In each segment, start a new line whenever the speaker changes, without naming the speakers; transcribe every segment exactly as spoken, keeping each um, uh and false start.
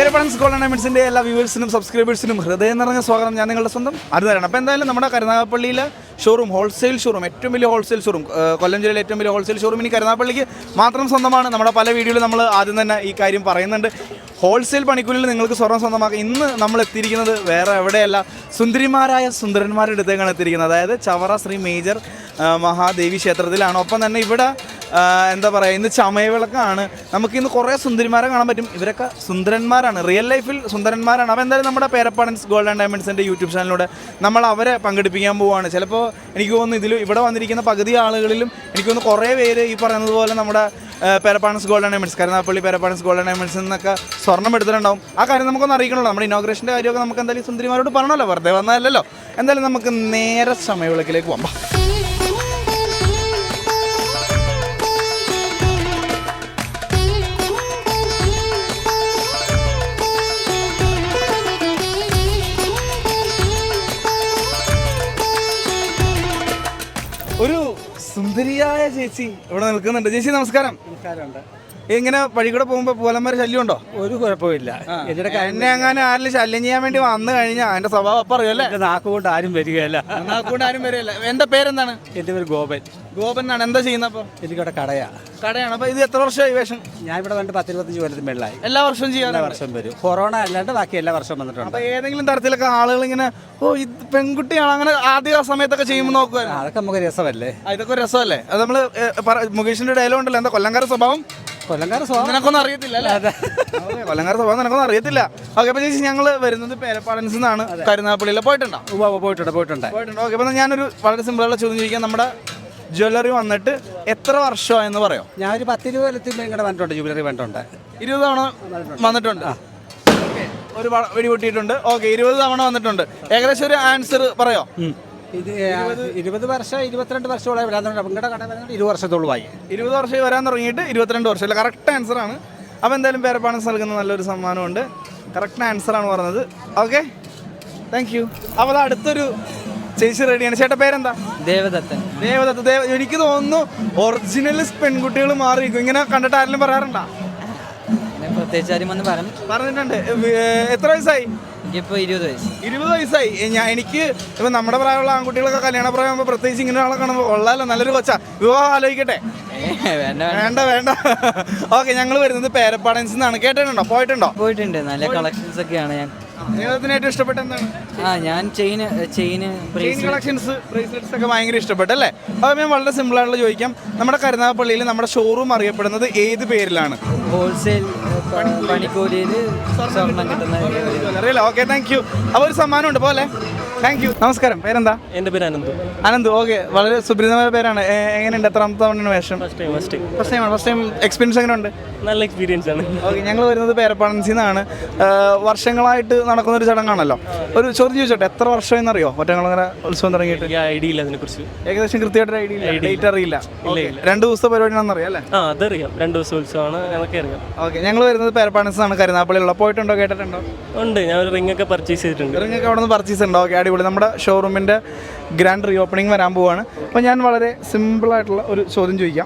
പേരപ്പണൻസ് gold and ഡയമണ്ട്സിൻ്റെ എല്ലാ വ്യൂവേഴ്സിനും സബ്സ്ക്രൈബേഴ്സിനും ഹൃദയം നിറഞ്ഞ സ്വാഗതം. ഞാൻ നിങ്ങളുടെ സ്വന്തം അരുതാരാണ്. അപ്പോൾ എന്തായാലും നമ്മുടെ കരുനാഗപ്പള്ളിയിലെ ഷോറൂം ഹോൾസെയിൽ ഷോറൂം ഏറ്റവും വലിയ ഹോൾസെയിൽ ഷോറൂം കൊല്ലം ജില്ലയിലെ ഏറ്റവും വലിയ ഹോൾസെയിൽ ഷോറൂം ഇനി കരുനാഗപ്പള്ളിക്ക് മാത്രം സ്വന്തമാണ്. നമ്മുടെ പല വീഡിയോയിൽ നമ്മൾ ആദ്യം തന്നെ ഈ കാര്യം പറയുന്നുണ്ട്. ഹോൾസെയിൽ പണിക്കൂലിൽ നിങ്ങൾക്ക് സ്വർണ്ണം സ്വന്തമാക്കാം. ഇന്ന് നമ്മൾ എത്തിയിരിക്കുന്നത് വേറെ എവിടെയല്ല, സുന്ദരിമാരായ സുന്ദരന്മാരുടെ അടുത്തേക്കാണ് എത്തിയിരിക്കുന്നത്. അതായത് ചവറ ശ്രീ മേജർ മഹാദേവി ക്ഷേത്രത്തിലാണ്. ഒപ്പം തന്നെ ഇവിടെ എന്താ പറയുക, ഇന്ന് ചമയവിളക്കാണ്. നമുക്കിന്ന് കുറേ സുന്ദരിമാരെ കാണാൻ പറ്റും. ഇവരൊക്കെ സുന്ദരന്മാരാണ്, റിയൽ ലൈഫിൽ സുന്ദരന്മാരാണ്. അപ്പോൾ എന്തായാലും നമ്മുടെ പേരപ്പണൻസ് ഗോൾഡ് ആൻഡ് ഡയമണ്ട്സിൻ്റെ യൂട്യൂബ് ചാനലിലൂടെ നമ്മൾ അവരെ പങ്കെടുപ്പിക്കാൻ പോവുകയാണ്. ചിലപ്പോൾ എനിക്ക് തോന്നുന്നു ഇതിൽ ഇവിടെ വന്നിരിക്കുന്ന പകുതി ആളുകളിലും എനിക്ക് തോന്നുന്നു കുറേ പേര് ഈ പറയുന്നത് പോലെ നമ്മുടെ Perappanans gold and diamonds, Karunagappally Perappanans gold and ഡയമണ്ട്സിൽ നിന്നൊക്കെ സ്വർണ്ണം എടുത്തിട്ടുണ്ടാവും. ആ കാര്യം നമുക്കൊന്ന് അറിയിക്കണമല്ലോ. നമ്മുടെ ഇനോഗ്രേഷൻ്റെ കാര്യമൊക്കെ നമുക്ക് എന്തായാലും സുന്ദരിമാരോട് പറഞ്ഞല്ലോ, വെറുതെ വന്നതല്ലല്ലോ. എന്തായാലും നമുക്ക് നേരെ ചമയവിളക്കിലേക്ക് പോകാം. ഒരു സുന്ദരിയായ ചേച്ചി ഇവിടെ നിൽക്കുന്നുണ്ട്. ചേച്ചി നമസ്കാരം.
നമസ്കാരമുണ്ട്.
ഇങ്ങനെ വഴി കൂടെ പോകുമ്പോൾ പോലന്മാർ ശല്യം ഉണ്ടോ?
ഒരു കുഴപ്പമില്ല.
എന്നെ അങ്ങനെ ആരെങ്കിലും ശല്യം ചെയ്യാൻ വേണ്ടി വന്നു കഴിഞ്ഞാൽ അതിന്റെ സ്വഭാവം അപ്പം അറിയാം അല്ലേ?
നാക്കുകൊണ്ട് ആരും വരികയല്ല.
നാക്കുകൊണ്ട് ആരും വരികയല്ല. എൻ്റെ പേരെന്താണ്?
എൻ്റെ പേര് ഗോപൻ.
ഗോപൻ എന്നാണ്. എന്താ ചെയ്യുന്നത് അപ്പോൾ?
എനിക്കിവിടെ കടയാ
കടയാണ്. അപ്പോൾ ഇത് എത്ര വർഷമായി വേഷം?
ഞാൻ ഇവിടെ വന്നിട്ട് പത്തിരുപത്തഞ്ച് കൊല്ലത്തിന് മേളിലായി.
എല്ലാ വർഷവും ചെയ്യാൻ?
എല്ലാ വർഷം വരും. കൊറോണ അല്ലാണ്ട് ബാക്കി എല്ലാ വർഷവും വന്നിട്ടുണ്ട്.
അപ്പോൾ ഏതെങ്കിലും തരത്തിലൊക്കെ ആളുകൾ ഇങ്ങനെ ഓ ഇത് പെൺകുട്ടിയാണ് അങ്ങനെ ആദ്യ സമയത്തൊക്കെ ചെയ്യുമ്പോൾ നോക്കുക,
അതൊക്കെ നമുക്ക് രസമല്ലേ?
ഇതൊക്കെ ഒരു രസമല്ലേ? അത് നമ്മൾ മുകേഷിന്റെ ഡയലോഗ് ഉണ്ടല്ലോ, എന്താ കൊല്ലംകാര സ്വഭാവം?
കൊല്ലംകാര സ്വഭാവം
നിനക്കൊന്നും അറിയത്തില്ല അല്ലേ? കൊല്ലംകാര സ്വഭാവം നിനക്കൊന്നും അറിയത്തില്ല. ഓക്കെ. അപ്പോൾ ചേച്ചി ഞങ്ങൾ വരുന്നത് പേരപ്പാടൻസ് നിന്നാണ്. കരുനാഗപ്പള്ളിയിൽ പോയിട്ടുണ്ടോ?
പോയിട്ടുണ്ട് പോയിട്ടുണ്ട്
പോയിട്ടുണ്ട് ഓക്കെ. അപ്പോൾ ഞാനൊരു വളരെ സിമ്പിളുള്ള ചോദ്യം ചോദിക്കാം. നമ്മുടെ ജ്വല്ലറി വന്നിട്ട് എത്ര വർഷമായെന്ന് പറയോ?
ഞാനൊരു പത്തിരുപത് കൊല്ലത്തിൽ ഇങ്ങനെ വന്നിട്ടുണ്ട്. ജൂബിലറി വന്നിട്ടുണ്ട്.
ഇരുപത് തവണ വന്നിട്ടുണ്ട്. ഓക്കെ. ഒരു വെടി പൊട്ടിയിട്ടുണ്ട്. ഓക്കെ. ഇരുപത് തവണ വന്നിട്ടുണ്ട്. ഏകദേശം ഒരു ആൻസർ പറയോ?
ഇത് ഇരുപത് വർഷം ഇരുപത്തിരണ്ട് വർഷത്തോളം നിങ്ങളുടെ കട വരുന്നത് ഇരുപത് വർഷത്തോളമായി.
ഇരുപത് വർഷം വരാൻ തുടങ്ങിയിട്ട് ഇരുപത്തിരണ്ട് വർഷം. അല്ല, കറക്റ്റ് ആൻസറാണ്. അപ്പോൾ എന്തായാലും പേരപ്പാണൻസ് നൽകുന്ന നല്ലൊരു സമ്മാനമുണ്ട്. കറക്റ്റ് ആൻസറാണ് പറഞ്ഞത്. Okay, thank you. അപ്പോൾ അത് അടുത്തൊരു ചേച്ചി റെഡിയാണ്. ചേട്ടാ പേരെന്താ?
ദേവദത്തൻ.
ദേവദത്ത്. ദേവ എനിക്ക് തോന്നുന്നു ഒറിജിനൽ പെൺകുട്ടികൾ മാറിയിരിക്കും. ഇങ്ങനെ കണ്ടിട്ട് ആരെങ്കിലും പറയാറുണ്ടോ?
പ്രത്യേകിച്ച് ആരും വന്ന് പറഞ്ഞു
പറഞ്ഞിട്ടുണ്ട്. എത്ര വയസ്സായി?
എനിക്കിപ്പോൾ ഇരുപത് വയസ്സ്.
ഇരുപത് വയസ്സായി. ഞാൻ എനിക്ക് ഇപ്പം നമ്മുടെ പ്രായമുള്ള ആൺകുട്ടികളൊക്കെ കല്യാണ പ്രായമാകുമ്പോൾ പ്രത്യേകിച്ച് ഇങ്ങനെ ആളെ കാണുമ്പോൾ കൊള്ളാലോ, നല്ലൊരു കൊച്ചാ, വിവാഹം ആലോചിക്കട്ടെ? വേണ്ട വേണ്ട. ഓക്കെ. ഞങ്ങൾ വരുന്നത് പേരപ്പാടൻസ് നിന്നാണ്. കേട്ടിട്ടുണ്ടോ? പോയിട്ടുണ്ടോ?
പോയിട്ടുണ്ട്. നല്ല കളക്ഷൻസ് ഒക്കെയാണ്. ഞാൻ
ജീവിതത്തിന് ഏറ്റവും ഇഷ്ടപ്പെട്ട എന്താണ്?
ആ ഞാൻ chain chain
chain collections, bracelets ഒക്കെ ഭയങ്കര ഇഷ്ടപ്പെട്ടല്ലേ? അപ്പോൾ ഞാൻ വളരെ സിമ്പിളായിട്ടുള്ള ചോദിക്കാം. നമ്മുടെ കരുനാഗപ്പള്ളിയിൽ നമ്മുടെ ഷോറൂം അറിയപ്പെടുന്നത് ഏത് പേരിലാണ്?
ഹോൾസെയിൽ പണിക്കൂലിയിൽ സ്വർണ്ണം കിട്ടുന്ന.
അറിയില്ല. Okay, thank you. അപ്പോൾ ഒരു സമ്മാനമുണ്ട് പോലെ. Thank you. നമസ്കാരം. പേരെന്താ?
എൻ്റെ പേര് അനന്തു.
അനന്തു. ഓക്കെ. വളരെ സുപരിതമായ പേരാണ്. എങ്ങനെയുണ്ട്? എത്രാമത്തെ തവണയാണ് വേഷം? First time. ഫസ്റ്റ് ടൈമാണ്. ഫസ്റ്റ് ടൈം എക്സ്പീരിയൻസ് എങ്ങനെയുണ്ട്?
നല്ല എക്സ്പീരിയൻസ് ആണ്.
ഓക്കെ. ഞങ്ങൾ വരുന്നത് പേരപ്പാടൻസിൽ നിന്നാണ്. വർഷങ്ങളായിട്ട് നടക്കുന്ന ഒരു ചടങ്ങാണല്ലോ. ഒരു ചോദ്യം ചോദിച്ചോട്ടെ, എത്ര വർഷമെന്നറിയോ ഒറ്റങ്ങളങ്ങനെ ഉത്സവം തുടങ്ങിയിട്ട്?
ഐഡിയ ഇല്ല അതിനെക്കുറിച്ച്. ഏകദേശം
കൃത്യമായിട്ട് ഐഡിയ ഇല്ല. ഡേറ്റ് അറിയില്ല. രണ്ട് ദിവസത്തെ പരിപാടിയാണെന്ന് അറിയാം അല്ലേ?
ആ അതറിയാം. രണ്ട് ദിവസം ഉത്സവമാണ്, ഞങ്ങൾക്ക് അറിയാം.
ഓക്കെ. ഞങ്ങൾ വരുന്നത് പേരപ്പാടൻസ് ആണ്, കരുനാഗപ്പള്ളിയിലുള്ള. പോയിട്ടുണ്ടോ? കേട്ടിട്ടുണ്ടോ?
ഉണ്ട്. ഞാൻ ഒരു റിംഗ് ഒക്കെ പർച്ചേസ് ചെയ്തിട്ടുണ്ട്.
റിംഗ് ഒക്കെ അവിടെ നിന്ന് പർച്ചേസ് ഉണ്ടോ? ഓക്കെ, അടിപൊളി. നമ്മുടെ ഷോറൂമിൻ്റെ ഗ്രാൻഡ് റീ ഓപ്പണിംഗ് വരാൻ പോവുകയാണ്. അപ്പോൾ ഞാൻ വളരെ സിമ്പിളായിട്ടുള്ള ഒരു ചോദ്യം ചോദിക്കാം.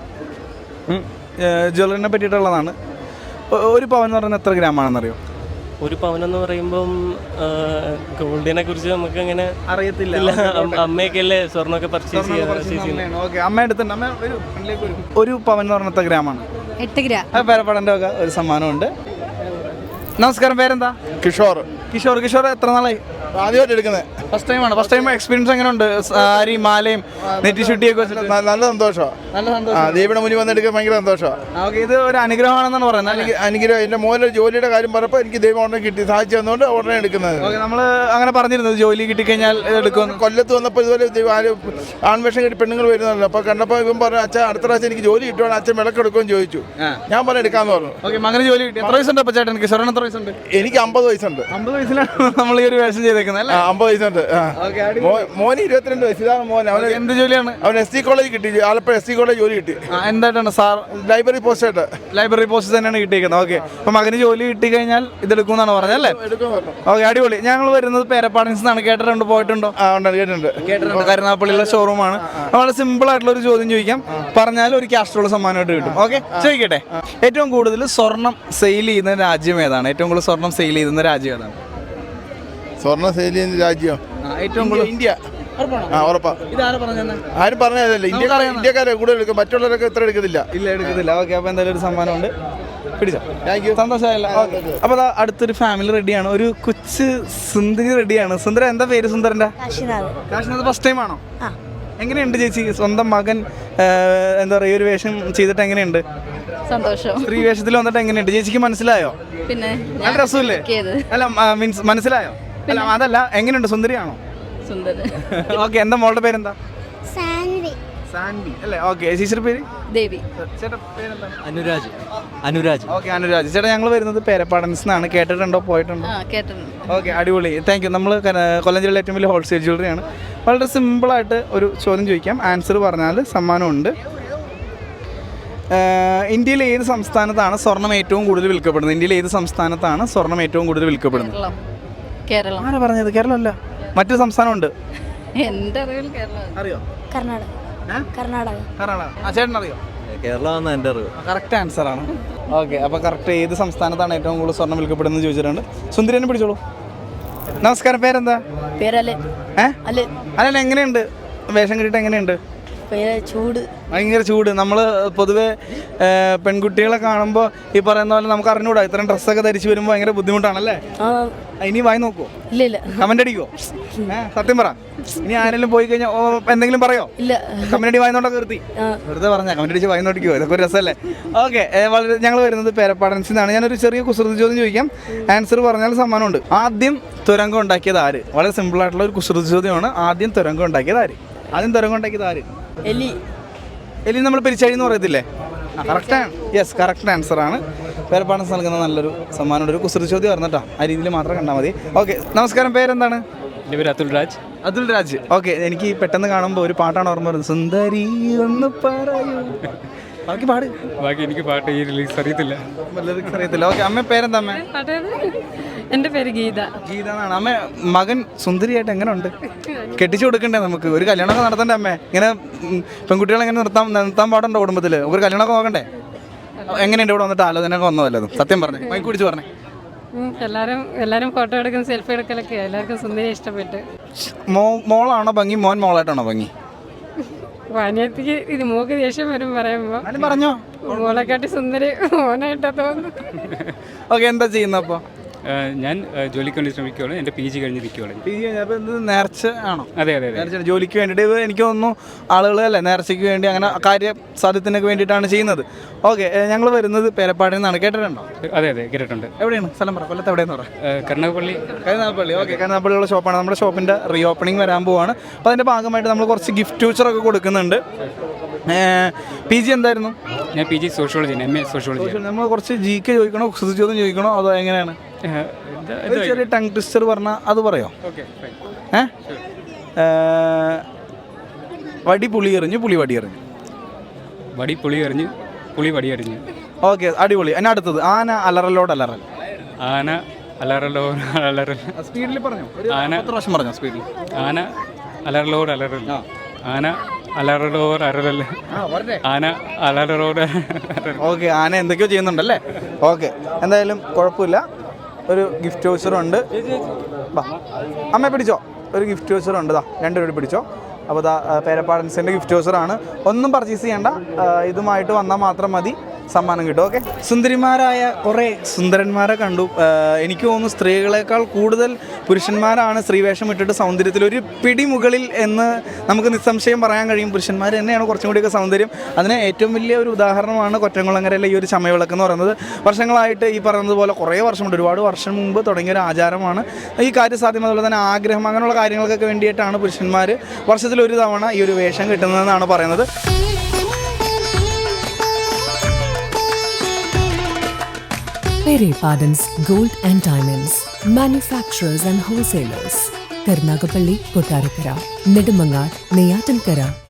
ജ്വല്ലറിനെ പറ്റിയിട്ടുള്ളതാണ്. ഒരു പവൻ എന്ന് പറയുന്നത് എത്ര ഗ്രാമാണെന്നറിയോ?
ഒരു പവനെന്ന് പറയുമ്പം ഗോൾഡിനെ കുറിച്ച് നമുക്ക് അങ്ങനെ
അറിയത്തില്ല.
അമ്മയൊക്കെ അല്ലേ സ്വർണ്ണമൊക്കെ പർച്ചേസ് ചെയ്യാൻ.
ഓക്കെ. അമ്മ എടുത്തിട്ടുണ്ട്. അമ്മ ഒരു ഒരു പവൻ എന്ന് പറഞ്ഞ എത്ര ഗ്രാമാണ്?
എട്ട് ഗ്രാം.
പേരപ്പാടൻ്റെ ഒക്കെ ഒരു സമ്മാനമുണ്ട്. നമസ്കാരം. പേരെന്താ?
കിഷോർ.
കിഷോർ. കിഷോർ എത്ര നാളായി
ആദ്യമായിട്ട് എടുക്കുന്നത്?
ഫസ്റ്റ് ടൈമാണ്. ഫസ്റ്റ് ടൈം എക്സ്പീരിയൻസ് എങ്ങനെയുണ്ട്? സാരി മാലയും നെറ്റി ചുട്ടിയൊക്കെ വെച്ചിട്ട്
നല്ല സന്തോഷമാണ്.
നല്ല സന്തോഷം.
ദൈവയുടെ മുന്നിൽ വന്നെടുക്കാൻ ഭയങ്കര സന്തോഷമാണ്.
ഓക്കെ. ഇത് ഒരു അനുഗ്രഹമാണെന്നാണ് പറയുന്നത്.
എനിക്ക് അനുഗ്രഹം. എൻ്റെ മോനെ ജോലിയുടെ കാര്യം പറഞ്ഞപ്പോൾ എനിക്ക് ദൈവം ഉടനെ കിട്ടി, സാധിച്ചു തന്നുകൊണ്ട് ഉടനെ എടുക്കുന്നത്.
ഓക്കെ. നമ്മൾ അങ്ങനെ പറഞ്ഞിരുന്നത് ജോലി കിട്ടിക്കഴിഞ്ഞാൽ എടുക്കുമെന്ന്.
കൊല്ലത്ത് വന്നപ്പോൾ ഇതുപോലെ ആൺവേഷം കിട്ടി പെണ്ണുങ്ങൾ വരുന്നല്ലോ. അപ്പോൾ കണ്ടപ്പോൾ ഇവൻ പറഞ്ഞു, അച്ഛൻ അടുത്ത പ്രാവശ്യം എനിക്ക് ജോലി കിട്ടുവാണ്, അച്ഛൻ വിളക്കെടുക്കുമെന്ന് ചോദിച്ചു. ഞാൻ പറഞ്ഞു എടുക്കാമെന്ന് പറഞ്ഞു.
ഓക്കെ. മകന് ജോലി കിട്ടി. എത്ര വയസ്സുണ്ട് അപ്പോൾ ചേട്ടൻ? കിഷോറിന് എത്ര വയസ്സുണ്ട്?
എനിക്ക് അമ്പത് വയസ്സുണ്ട്.
അമ്പത് വയസ്സിലാണ് നമ്മൾ ഈ ഒരു വേഷം ചെയ്തേക്കുന്നത്. കിട്ടിയേക്കുന്നത് അല്ലേ?
അമ്പത് വയസ്സുണ്ട്. മോന് ഇരുപത്തിരണ്ട് വയസ്സ്. ഇതാണ് മോൻ. അവന്
എന്ത് ജോലിയാണ്?
അവൻ എസ് സി കോളേജ് കിട്ടി, ആലപ്പുഴ എസ് സി കോളേജ് ജോലി കിട്ടി.
എന്തായിട്ടാണ് സാർ?
ലൈബ്രറി പോസ്റ്റ് ആയിട്ട്.
ലൈബ്രറി പോസ്റ്റ് തന്നെയാണ് കിട്ടിയിരിക്കുന്നത്. ഓക്കെ, അപ്പൊ മകന് ജോലി കിട്ടി കഴിഞ്ഞാൽ ഇതെടുക്കും എന്നാണ് പറഞ്ഞത് അല്ലേ? ഓക്കെ, അടിപൊളി. ഞങ്ങൾ വരുന്നത് പേരപ്പാടൻസ് എന്നാണ്. കേട്ടിട്ടുണ്ടോ? പോയിട്ടുണ്ടോ?
കേട്ടിട്ടുണ്ട്.
കേട്ടിട്ടുണ്ട്. കരുനാഗപ്പള്ളിയിലെ ഷോറൂമാണ്. വളരെ സിമ്പിൾ ആയിട്ടുള്ള ഒരു ചോദ്യം ചോദിക്കാം, പറഞ്ഞാൽ ഒരു ക്യാഷുള്ള സമ്മാനമായിട്ട് കിട്ടും. ഓക്കെ, ചോദിക്കട്ടെ. ഏറ്റവും കൂടുതൽ സ്വർണം സെയിൽ ചെയ്യുന്ന രാജ്യം ഏതാണ്? ഏറ്റവും കൂടുതൽ സ്വർണം സെയിൽ ചെയ്യുന്ന രാജ്യം ഏതാണ്?
സ്വർണ്ണ സെയിൽ ചെയ്യുന്ന രാജ്യം
ഏറ്റവും കൂടുതൽ
ഇന്ത്യ. ആ, ഉറപ്പാ.
ഇതാരാ പറഞ്ഞത്?
ആരും പറഞ്ഞതല്ല. ഇന്ത്യ ഇന്ത്യക്കാരെ കൂടുതൽ എടുക്കും, മറ്റുള്ളവരൊക്കെ ഇത്ര എടുക്കത്തില്ല.
ഇല്ല, എടുക്കത്തില്ല. ഓക്കെ, അപ്പോൾ എന്തായാലും ഒരു സമ്മാനമുണ്ട്. പിടിച്ചോ. Thank you. സന്തോഷമായല്ലോ. അപ്പോൾ അതാ അടുത്തൊരു ഫാമിലി റെഡിയാണ്. ഒരു കൊച്ചു സുന്ദരി റെഡിയാണ്. സുന്ദര, എന്താ പേര് സുന്ദരൻ്റെ? കാശിനാഥ്. ഫസ്റ്റ് ടൈം ആണോ? എങ്ങനെയുണ്ട് ചേച്ചി? സ്വന്തം മകൻ എന്താ പറയുക ഒരു വേഷം ചെയ്തിട്ട് എങ്ങനെയുണ്ട്?
സന്തോഷം.
സ്ത്രീ വേഷത്തിൽ വന്നിട്ട് എങ്ങനെയുണ്ട് ചേച്ചിക്ക്? മനസ്സിലായോ?
പിന്നെ
നല്ല രസമില്ലേ? അല്ല, മീൻസ് മനസ്സിലായോ? അല്ല, അതല്ല, എങ്ങനെയുണ്ട്? സുന്ദരിയാണോ?
സുന്ദരൻ.
ഓക്കെ, എന്താ മോളുടെ പേരെന്താ?
സാൻവി.
സാൻവി അല്ലേ? ഓക്കെ, ചേച്ചിയുടെ പേര്?
ദേവി.
ചേട്ടാ പേരെന്താ?
അനുരാജ്. അനുരാജ്.
ഓക്കെ, അനുരാജ്. ചേട്ടാ, ഞങ്ങൾ വരുന്നത് പേരപ്പാടൻസ് എന്നാണ്. കേട്ടിട്ടുണ്ടോ? പോയിട്ടുണ്ടോ?
ആ, കേട്ടിട്ടുണ്ട്.
ഓക്കെ, അടിപൊളി. Thank you. നമ്മൾ കൊല്ലം ജില്ലയിലെ ഏറ്റവും വലിയ ഹോൾസെയിൽ ജ്വല്ലറിയാണ്. വളരെ സിമ്പിളായിട്ട് ഒരു ചോദ്യം ചോദിക്കാം, ആൻസർ പറഞ്ഞാൽ സമ്മാനമുണ്ട്. ഇന്ത്യയിലെ ഏത് സംസ്ഥാനത്താണ് സ്വർണം ഏറ്റവും കൂടുതൽ വിൽക്കപ്പെടുന്നത്? ഇന്ത്യയിലെ ഏത് സംസ്ഥാനത്താണ് സ്വർണം ഏറ്റവും കൂടുതൽ വിൽക്കപ്പെടുന്നത്?
കേരളം. കേരളം.
ആരാ പറഞ്ഞത്? കേരളമല്ല, മറ്റൊരു സംസ്ഥാനമുണ്ട്.
എൻ്റെ അറിവിൽ കേരളം.
അറിയോ?
കർണാടക. കർണാടക.
കർണാടക. ആ, ചേട്ടൻ അറിയോ?
കേരളമാണ് എൻ്റെ അറിവ്.
കറക്റ്റ് ആൻസർ ആണ്. ഓക്കെ, അപ്പോൾ കറക്റ്റ് ഏത് സംസ്ഥാനത്താണ് ഏറ്റവും കൂടുതൽ സ്വർണം വിൽക്കപ്പെടുന്നത് ചോദിച്ചിട്ടുണ്ട്. സുന്ദരനെ പിടിച്ചോളൂ. നമസ്കാരം, പേരെന്താ?
പേരല്ലേ?
ഏഹ്
അല്ലേ?
അല്ല, എങ്ങനെയുണ്ട് വേഷം കിട്ടിയിട്ട്? എങ്ങനെയുണ്ട്?
പേര് ചൂട്.
ഭയങ്കര ചൂട്. നമ്മൾ പൊതുവെ പെൺകുട്ടികളെ കാണുമ്പോൾ ഈ പറയുന്ന പോലെ നമുക്ക് അറിഞ്ഞൂടാ, ഇത്രയും ഡ്രസ്സൊക്കെ ധരിച്ച് വരുമ്പോൾ ഭയങ്കര ബുദ്ധിമുട്ടാണല്ലേ? ഇനി വായി നോക്കുമോ?
ഇല്ല ഇല്ല.
കമന്റ് അടിക്കുമോ? ഏഹ് സത്യം പറ. ഇനി ആരെങ്കിലും പോയി കഴിഞ്ഞാൽ എന്തെങ്കിലും പറയോ?
ഇല്ല.
കമന്റ് അടി വായനോട്ടൊക്കെ നിർത്തി വെറുതെ പറഞ്ഞാൽ കമന്റ് അടിച്ച് വായനോട്ടിക്കോ? ഇതൊക്കെ ഒരു രസമല്ലേ? ഓക്കെ, വളരെ ഞങ്ങൾ വരുന്നത് പേരപ്പാടൻസിൽ നിന്നാണ്. ഞാനൊരു ചെറിയ കുസൃതി ചോദ്യം ചോദിക്കാം, ആൻസർ പറഞ്ഞാൽ സമ്മാനമുണ്ട്. ആദ്യം തുരങ്കം ഉണ്ടാക്കിയത് ആര്? വളരെ സിമ്പിളായിട്ടുള്ള ഒരു കുസൃതി ചോദ്യമാണ്. ആദ്യം തുരങ്കം ഉണ്ടാക്കിയത് ആര്? ആദ്യം തുരങ്കം ഉണ്ടാക്കിയത് ആര്?
എലി.
എലി നമ്മൾ പെരിച്ചാഴി എന്ന് പറയത്തില്ലേ? ആ, കറക്റ്റാണ്. Yes, correct ആൻസറാണ്. പേരപ്പാടൻസ് നൽകുന്ന നല്ലൊരു സമ്മാനമുണ്ട്. ഒരു കുസൃതി ചോദ്യം ആയിരുന്നു കേട്ടോ, ആ രീതിയിൽ മാത്രം കണ്ടാൽ മതി. ഓക്കെ, നമസ്കാരം, പേരെന്താണ്?
എൻ്റെ പേര് അതുൽ രാജ്.
അതുൽ രാജ്. ഓക്കെ, എനിക്ക് പെട്ടെന്ന് കാണുമ്പോൾ ഒരു പാട്ടാണ് ഓർമ്മ വരുന്നത്. സുന്ദരി ഒന്ന് പറയൂ. ബാക്കി പാട്.
ബാക്കി എനിക്ക് പാട്ട് ഈ റിലീസ് അറിയത്തില്ല.
ലിറിക്സ് അറിയത്തില്ല. ഓക്കെ, അമ്മ പേരെന്താ? അമ്മ?
എൻ്റെ പേര് ഗീത.
ഗീത എന്നാണ്. അമ്മ, മകൻ സുന്ദരിയായിട്ട് എങ്ങനെ ഉണ്ട്? കെട്ടിച്ചു കൊടുക്കണ്ടേ നമുക്ക്? ഒരു കല്യാണമൊക്കെ നടത്തണ്ടേ അമ്മേ? ഇങ്ങനെ പെൺകുട്ടികളെ എങ്ങനെ നിർത്താൻ നിർത്താൻ പാടുണ്ടോ കുടുംബത്തിൽ? ഒരു കല്യാണമൊക്കെ നോക്കണ്ടേ? എങ്ങനെയുണ്ട് ഇവിടെ വന്നിട്ട് ആലോചനയൊക്കെ വന്നതല്ലോ? സത്യം പറഞ്ഞേ, മൈക്ക് പിടിച്ച് പറഞ്ഞേ.
എല്ലാവരും എല്ലാവരും ഫോട്ടോ എടുക്കും, സെൽഫി എടുക്കലൊക്കെ. എല്ലാവർക്കും സുന്ദരി ഇഷ്ടപ്പെട്ട്.
മോ മോളാണോ ഭംഗി, മോൻ മോളായിട്ടാണോ ഭംഗി?
വാനിയത്തിക്ക് ഇത് മോക്ക് ദേഷ്യം വരും പറയുമ്പോൾ.
പറഞ്ഞോ,
മോളെക്കാട്ടി സുന്ദരി മോനായിട്ടാ തോന്നുന്നു.
ഓക്കെ, എന്താ ചെയ്യുന്നത് അപ്പോൾ?
ഞാൻ ജോലിക്ക് വേണ്ടി ശ്രമിക്കുകയാണ്. എൻ്റെ പി ജി കഴിഞ്ഞിരിക്കുകയാണ്.
പി ജി കഴിഞ്ഞപ്പോൾ എന്ത് നേർച്ച ആണോ?
അതെ അതെ അതെ.
നേർച്ച ജോലിക്ക് വേണ്ടിയിട്ട് ഇത് എനിക്ക് തോന്നുന്നു ആളുകൾ അല്ലേ നേർച്ചയ്ക്ക് വേണ്ടി അങ്ങനെ കാര്യ സാധ്യത്തിനൊക്കെ വേണ്ടിയിട്ടാണ് ചെയ്യുന്നത്. ഓക്കെ, ഞങ്ങൾ വരുന്നത് പേരപ്പാടിൽ നിന്നാണ്. കേട്ടിട്ടുണ്ടോ?
അതെ അതെ, കേട്ടിട്ടുണ്ട്.
എവിടെയാണ് സ്ഥലം പറ? കൊല്ലത്ത് എവിടെയെന്ന് പറ?
കരുനാഗപ്പള്ളി.
കരുനാഗപ്പള്ളി. ഓക്കെ, കരുനാഗപ്പള്ളിയുള്ള ഷോപ്പാണ്. നമ്മുടെ ഷോപ്പിൻ്റെ റീ ഓപ്പണിംഗ് വരാൻ പോവാണ്. അപ്പോൾ അതിൻ്റെ ഭാഗമായിട്ട് നമ്മൾ കുറച്ച് ഗിഫ്റ്റ് വൗച്ചറൊക്കെ കൊടുക്കുന്നുണ്ട്. പി ജി എന്തായിരുന്നു?
ഞാൻ P G sociology, M A sociology.
നമ്മൾ കുറച്ച് ജി കെ ചോദിക്കണോ, കുസൃതി ചോദ്യം ചോദിക്കണോ, അതോ എങ്ങനെയാണ്? ഒരു ചെറിയ ടങ് ട്വിസ്റ്റർ പറഞ്ഞാൽ അത് പറയോ? ഏ വടി പുളി എറിഞ്ഞു, പുളി വടി എറിഞ്ഞു.
വടി പുളി എറിഞ്ഞ്, പുളി വടി എറിഞ്ഞു.
ഓക്കെ, അടിപൊളി. അതിന് അടുത്തത് ആന അലറലോട് അലറൽ.
ആന അലറലോ അലറൽ.
സ്പീഡിൽ പറഞ്ഞു.
ആന
പ്രാവശ്യം പറഞ്ഞോ സ്പീഡിൽ.
ആന അലറലോട് അലറൽ. ആന അലറലോർ അലറൽ. ആന അലറലോട്.
ഓക്കെ, ആന എന്തൊക്കെയോ ചെയ്യുന്നുണ്ടല്ലേ? ഓക്കെ, എന്തായാലും കുഴപ്പമില്ല. ഒരു ഗിഫ്റ്റ് വൗച്ചറുണ്ട്. അമ്മ പിടിച്ചോ, ഒരു ഗിഫ്റ്റ് വൗച്ചറുണ്ട്. ദാ രണ്ട് രൂപ പിടിച്ചോ. അപ്പോൾ ദാ പേരപ്പാടൻസിൻ്റെ ഗിഫ്റ്റ് വൗച്ചറാണ്. ഒന്നും പർച്ചേസ് ചെയ്യേണ്ട, ഇതുമായിട്ട് വന്നാൽ മാത്രം മതി, സമ്മാനം കിട്ടും. ഓക്കെ, സുന്ദരിമാരായ കുറേ സുന്ദരന്മാരെ കണ്ടു. എനിക്ക് തോന്നുന്നു സ്ത്രീകളെക്കാൾ കൂടുതൽ പുരുഷന്മാരാണ് സ്ത്രീവേഷം ഇട്ടിട്ട് സൗന്ദര്യത്തിൽ ഒരു പിടി മുകളിൽ എന്ന് നമുക്ക് നിസ്സംശയം പറയാൻ കഴിയും. പുരുഷന്മാർ തന്നെയാണ് കുറച്ചും കൂടിയൊക്കെ സൗന്ദര്യം. അതിന് ഏറ്റവും വലിയ ഒരു ഉദാഹരണമാണ് കൊറ്റംകുളങ്ങരയിലെ ഈ ഒരു ചമയവിളക്ക് എന്ന് പറയുന്നത്. വർഷങ്ങളായിട്ട് ഈ പറയുന്നത് പോലെ കുറേ വർഷമുണ്ട്, ഒരുപാട് വർഷം മുമ്പ് തുടങ്ങിയ ഒരു ആചാരമാണ്. ഈ കാര്യസാധ്യം, അതുപോലെ തന്നെ ആഗ്രഹം, അങ്ങനെയുള്ള കാര്യങ്ങൾക്കൊക്കെ വേണ്ടിയിട്ടാണ് പുരുഷന്മാർ വർഷത്തിലൊരു തവണ ഈ ഒരു വേഷം കിട്ടുന്നതെന്നാണ് പറയുന്നത്.
Pere Pardon's Gold and Diamonds, manufacturers and wholesalers. Karunagappally, Kottarakkara, Nedumangad, Neyyattinkara.